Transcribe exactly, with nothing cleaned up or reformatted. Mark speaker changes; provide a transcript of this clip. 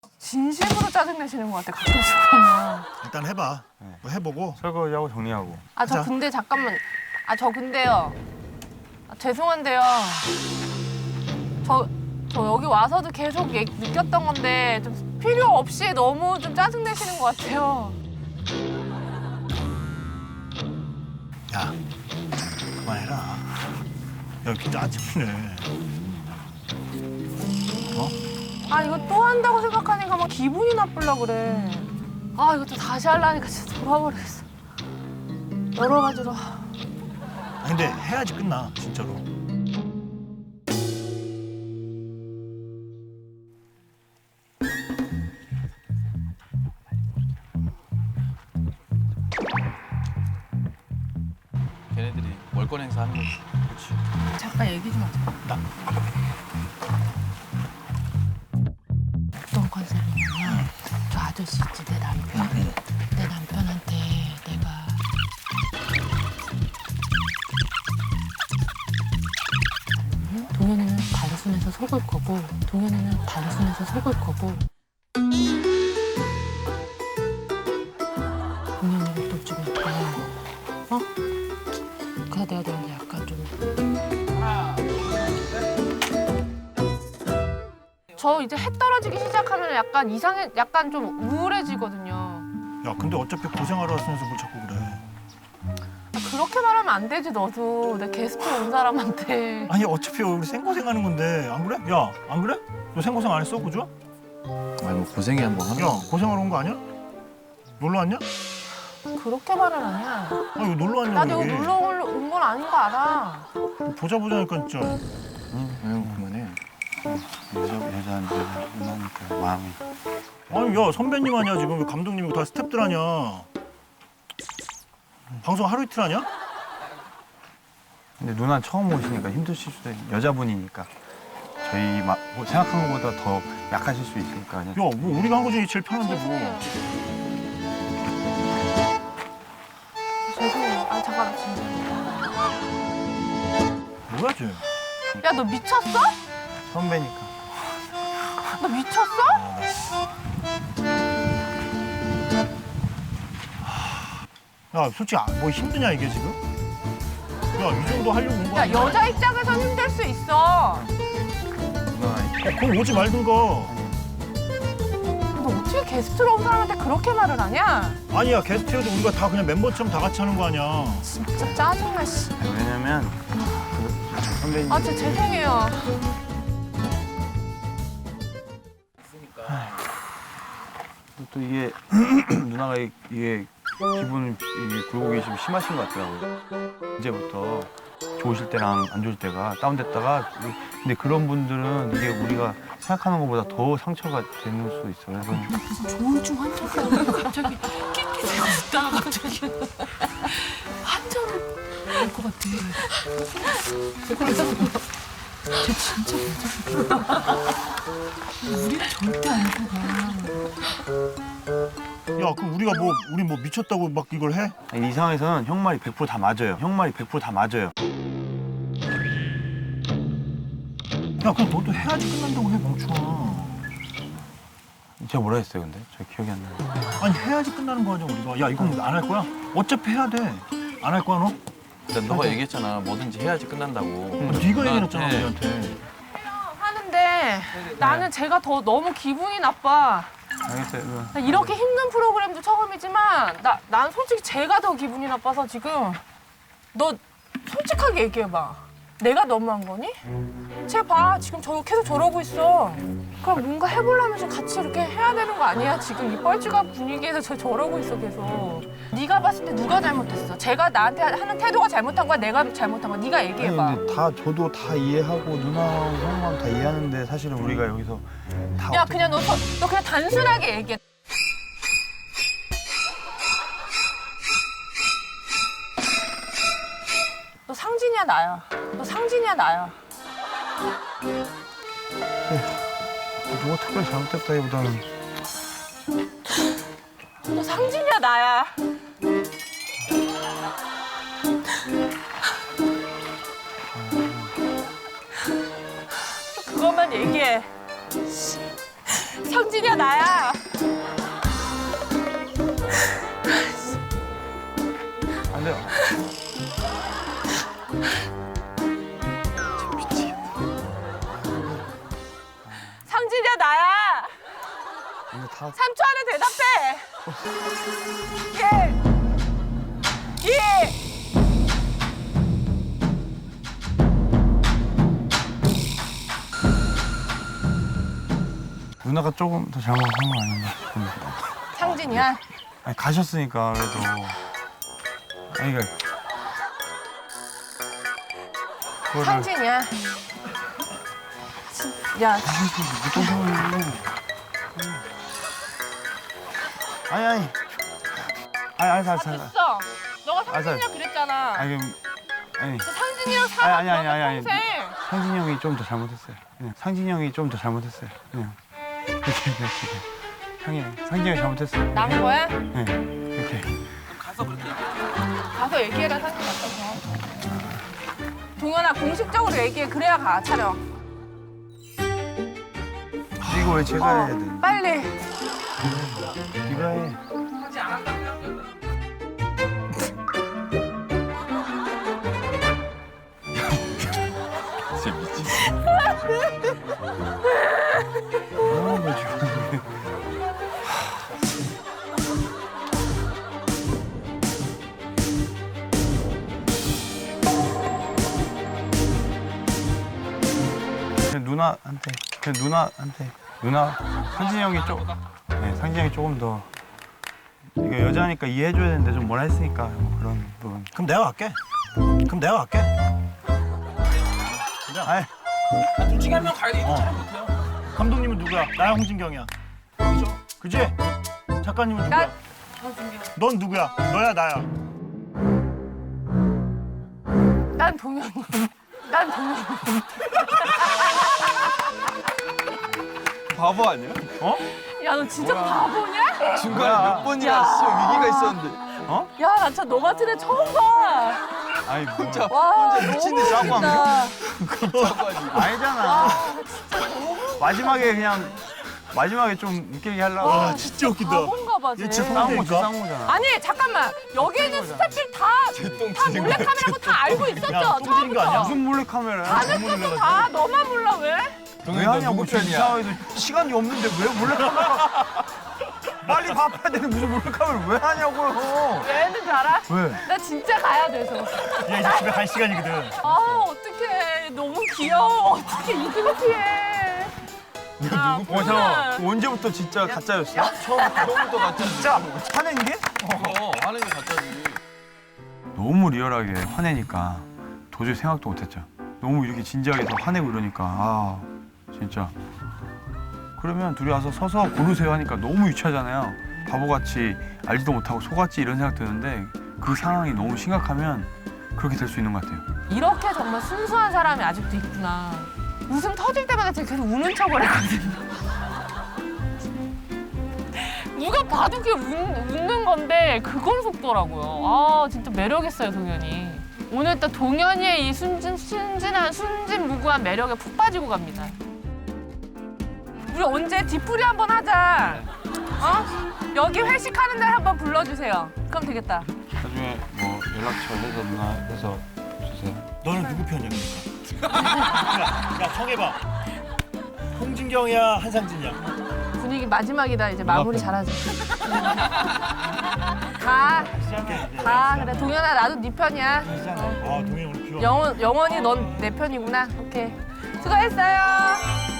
Speaker 1: 진심으로 짜증내시는 것 같아, 가끔씩 보면.
Speaker 2: 일단 해봐. 뭐 해보고.
Speaker 3: 설거지하고 정리하고.
Speaker 1: 아, 저
Speaker 2: 자.
Speaker 1: 근데 잠깐만. 아, 저 근데요. 아, 죄송한데요. 저, 저 여기 와서도 계속 얘- 느꼈던 건데 좀 필요 없이 너무 좀 짜증내시는 것 같아요.
Speaker 2: 야, 그만해라. 야, 진짜 짜증내. 어?
Speaker 1: 아, 이거 또 한다고 생각하니까 막 기분이 나쁘려 그래. 아, 이것도 다시 하려니까 진짜 돌아버리겠어. 여러 가지로.
Speaker 2: 아니, 근데 해야지 끝나, 진짜로.
Speaker 4: 걔네들이 월권 행사 하는 거지.
Speaker 2: 그렇지.
Speaker 1: 잠깐 얘기 좀 하자.
Speaker 2: 나.
Speaker 1: 어떤 컨셉이냐면 저 아저씨 있지, 내 남편. 내 남편한테 내가 동현이는 단순해서 속을 거고 동현이는 단순해서 속을 거고 동현이를 또 좀 약간 어? 그래서 내가 너한테 약간 좀 저 이제 해 떨어지기 시작하면 약간 이상해, 약간 좀 우울해지거든요.
Speaker 2: 야, 근데 어차피 고생하러 왔으면서 뭘 자꾸 그래.
Speaker 1: 아, 그렇게 말하면 안 되지, 너도. 내 게스트 온 사람한테.
Speaker 2: 아니, 어차피 우리 생고생하는 건데, 안 그래? 야, 안 그래? 너 생고생 안 했어, 그죠?
Speaker 4: 아니 뭐 고생이 한번 하는
Speaker 2: 야,
Speaker 4: 거.
Speaker 2: 고생하러 온 거 아니야? 놀러 왔냐?
Speaker 1: 그렇게 말은 아니야.
Speaker 2: 아, 이거 놀러 왔냐고,
Speaker 1: 나도 여기
Speaker 2: 여기.
Speaker 1: 놀러 온 건 아닌 거 알아.
Speaker 2: 보자 보자니까 진짜.
Speaker 4: 응, 아유 그만해. 여자 여자 여자니까 마음이.
Speaker 2: 아니, 야, 선배님 아니야, 지금. 왜 감독님이고 다 스태프들 아니야. 방송 하루 이틀 하냐?
Speaker 3: 근데 누나 처음 오시니까 힘드실 수도 있어요. 여자분이니까. 저희 막 뭐 생각한 것보다 더 약하실 수 있으니까 그냥.
Speaker 2: 야, 뭐 우리가 한 거 중에 제일 편한데 뭐.
Speaker 1: 죄송해요. 아, 잠깐, 진짜.
Speaker 2: 뭐야, 쟤?
Speaker 1: 야, 너 미쳤어?
Speaker 3: 선배니까.
Speaker 1: 너 미쳤어?
Speaker 2: 아, 나 씨. 야, 솔직히 아, 뭐 힘드냐, 이게 지금? 야, 이 정도 하려고 온 거야?
Speaker 1: 야, 여자 입장에선 힘들 수 있어.
Speaker 3: 누나
Speaker 2: 야, 그럼 오지 말든가.
Speaker 1: 너 어떻게 게스트로 온 사람한테 그렇게 말을 하냐?
Speaker 2: 아니야, 게스트여도 우리가 다 그냥 멤버처럼 다 같이 하는 거 아니야.
Speaker 1: 진짜 짜증나, 씨.
Speaker 3: 아니, 왜냐면 그 선배님.
Speaker 1: 아, 진짜 죄송해요.
Speaker 3: 또 이게 누나가 이- 이게 기분 이게 굴곡이 좀 심하신 것 같더라고요. 이제부터 좋으실 때랑 안 좋을 때가 다운됐다가 근데 그런 분들은 이게 우리가 생각하는 것보다 더 상처가 되는 수 있어요. 그래서
Speaker 1: 무슨 조울증 환자가 갑자기 낑낑대고 있다가 갑자기 환자를 할 것 같아. 쟤 진짜 괜찮아. 우리는 절대 안 속아.
Speaker 2: 야, 그럼 우리가 뭐 우리 뭐 미쳤다고 막 이걸 해?
Speaker 3: 아니, 이 상황에서는 형 말이 백 퍼센트 다 맞아요. 형 말이 백 퍼센트 다 맞아요.
Speaker 2: 야, 그럼 너도 해야지 끝난다고 해, 멍충아.
Speaker 3: 제가 뭐라 했어요, 근데? 저 기억이 안 나요.
Speaker 2: 아니, 해야지 끝나는 거 아니야, 우리가. 야, 이건 안 할 거야? 어차피 해야 돼. 안 할 거야, 너?
Speaker 4: 일단 너가 얘기했잖아. 뭐든지 해야지 끝난다고.
Speaker 2: 어, 네가 얘기했잖아,
Speaker 4: 네.
Speaker 2: 우리한테.
Speaker 1: 하는데 나는 제가 더 너무 기분이 나빠.
Speaker 3: 알겠어요. 누나.
Speaker 1: 나 이렇게 힘든 프로그램도 처음이지만 나, 난 솔직히 제가 더 기분이 나빠서 지금 너 솔직하게 얘기해봐. 내가 너무한 거니? 쟤 봐. 지금 저 계속 저러고 있어. 그럼 뭔가 해보려면서 같이 이렇게 해야 되는 거 아니야? 지금 이 뻘쭘한 분위기에서 저 저러고 있어 계속. 네가 봤을 때 누가 잘못했어? 제가 나한테 하는 태도가 잘못한 거야? 내가 잘못한 거야? 네가
Speaker 3: 아니
Speaker 1: 얘기해봐.
Speaker 3: 근데 다 저도 다 이해하고 누나랑 형만 다 이해하는데 사실은 우리가 여기서 다
Speaker 1: 야
Speaker 3: 어떻게-
Speaker 1: 그냥 너, 서- 너 그냥 단순하게 얘기해. 너 상진이야 나야. 너 상진이야 나야.
Speaker 3: 누가 특별히 잘못했다기보다는
Speaker 1: 너 상진이야 나야. 그것만 얘기해. 상진이야 나야.
Speaker 3: 안 돼요.
Speaker 1: 상진이야 나야.
Speaker 3: 이거 다
Speaker 1: 삼 초 안에 대답해. 예. 예.
Speaker 3: 누나가 조금 더 잘못한 거 아닌가 싶은데.
Speaker 1: 상진이야.
Speaker 3: 아니 가셨으니까 그래도. 아니 그러니까 그거를
Speaker 1: 상진이야. 진- 야,
Speaker 3: 어떤 상황이에요? 아니 아니. 아니 아니 잘 잘.
Speaker 1: 됐어. 너가
Speaker 3: 아,
Speaker 1: 상진이라
Speaker 3: 잘-
Speaker 1: 그랬잖아.
Speaker 3: 아니 그럼 아니
Speaker 1: 상진이랑 사과
Speaker 3: 아니, 아니, 아니, 아니.
Speaker 1: 평생.
Speaker 3: 상진이 형이 좀 더 잘못했어요. 그냥 상진이 형이 좀 더 잘못했어요. 그냥 이렇게 이렇게 형이 상진이 형이 잘못했어요.
Speaker 1: 난 거야?
Speaker 3: 네 이렇게.
Speaker 1: 가서 얘기해라 상진 앞에서. 동현아 공식적으로 얘기해. 그래야 가 촬영.
Speaker 3: 이거 왜 제가 해야 돼?
Speaker 1: 빨리.
Speaker 3: 네가 해.
Speaker 4: 진짜 미치.
Speaker 3: 어, 뭐 지금. 그냥 누나한테 그냥 누나한테 누나 상진이 형이 좀 네, 상진이 형이 조금 더 이거 여자니까 이해해줘야 되는데 좀 뭐라 했으니까 뭐 그런 부분.
Speaker 2: 그럼 내가 갈게. 그럼 내가 갈게.
Speaker 3: 아이
Speaker 5: 둘 중에 한 명 가야 돼. 이거
Speaker 2: 어.
Speaker 5: 잘 못해요.
Speaker 2: 감독님은 누구야? 나야 홍진경이야. 그죠? 그지? 작가님은 누구야? 넌 누구야? 너야 나야.
Speaker 1: 난 동현이. 난 동현이.
Speaker 4: 바보 아니야?
Speaker 3: 어?
Speaker 1: 야, 너 진짜 바보냐?
Speaker 4: 중간에
Speaker 3: 뭐야.
Speaker 4: 몇 번이나 진짜 위기가 있었는데.
Speaker 3: 어?
Speaker 1: 야, 나 진짜 너 같은 애 처음 봐.
Speaker 3: 아니 뭐.
Speaker 4: 혼자
Speaker 1: 와,
Speaker 4: 혼자 미친 듯이 하고
Speaker 1: 너무
Speaker 4: 하면
Speaker 1: 웃긴다.
Speaker 4: 자고 하지.
Speaker 3: 아니잖아. 마지막에 그냥 마지막에 좀 웃기게 하려고.
Speaker 2: 와 진짜 웃긴다.
Speaker 1: 바본가 봐, 쟤.
Speaker 2: 얘 진짜
Speaker 3: 싸운 거지
Speaker 2: 그러니까?
Speaker 3: 싸운 거잖아.
Speaker 1: 아니, 잠깐만. 여기 있는 스태프들 다,
Speaker 4: 개똥
Speaker 1: 다
Speaker 4: 치는
Speaker 1: 몰래카메라고 다 알고 있었죠?
Speaker 2: 야, 똥 치는 거 아니야?
Speaker 1: 처음부터.
Speaker 3: 무슨 몰래 카메라야?
Speaker 1: 다들 떴어, 다. 너만 몰라, 왜?
Speaker 3: 왜
Speaker 4: 동현이 너
Speaker 3: 하냐고
Speaker 4: 누구
Speaker 3: 지금 이
Speaker 4: 편이야?
Speaker 3: 상황에서 시간이 없는데 왜 몰래 카메라? 빨리 밥해야 되는 무슨 몰래 카메라 왜 하냐고요?
Speaker 1: 왜 했는 줄 알아?
Speaker 3: 왜?
Speaker 1: 나 진짜 가야 돼서.
Speaker 2: 얘 이제 집에 갈 시간이거든.
Speaker 1: 아, 어떡해. 너무 귀여워. 어떻게 이등 피해. 야,
Speaker 3: 어 잠깐 언제부터 진짜 가짜였어?
Speaker 4: 처음부터 가짜지.
Speaker 3: 진짜 화낸 게?
Speaker 4: 어, 하는 게 가짜지.
Speaker 3: 너무 리얼하게 화내니까 도저히 생각도 못했죠. 너무 이렇게 진지하게 더 화내고 이러니까 아 진짜. 그러면 둘이 와서 서서 고르세요 하니까 너무 유치하잖아요. 바보같이 알지도 못하고 속았지 이런 생각 드는데 그 상황이 너무 심각하면 그렇게 될 수 있는 것 같아요.
Speaker 1: 이렇게 정말 순수한 사람이 아직도 있구나. 웃음 터질 때마다 제가 계속 우는 척을 하거든요. 누가 봐도 그게 웃, 웃는 건데 그걸 속더라고요. 아, 진짜 매력 있어요, 동현이. 오늘 또 동현이의 이 순진, 순진한, 순진무구한 매력에 푹 빠지고 갑니다. 우리 언제 뒤풀이 한번 하자. 어? 여기 회식하는 날 한번 불러주세요. 그럼 되겠다.
Speaker 3: 나중에 뭐 연락처 해서 누나 해서 주세요.
Speaker 2: 너는 누구 편이야 그러니까? 야, 야 정해봐. 홍진경이야 한상진이야.
Speaker 1: 분위기 마지막이다. 이제 마무리 잘하자. 가.
Speaker 2: 시작해 이제.
Speaker 1: 가. 그래, 동현아, 나도 네 편이야.
Speaker 2: 아 동해 오늘 비와.
Speaker 1: 영원, 영원히 넌 내 편이구나. 오케이. 수고했어요.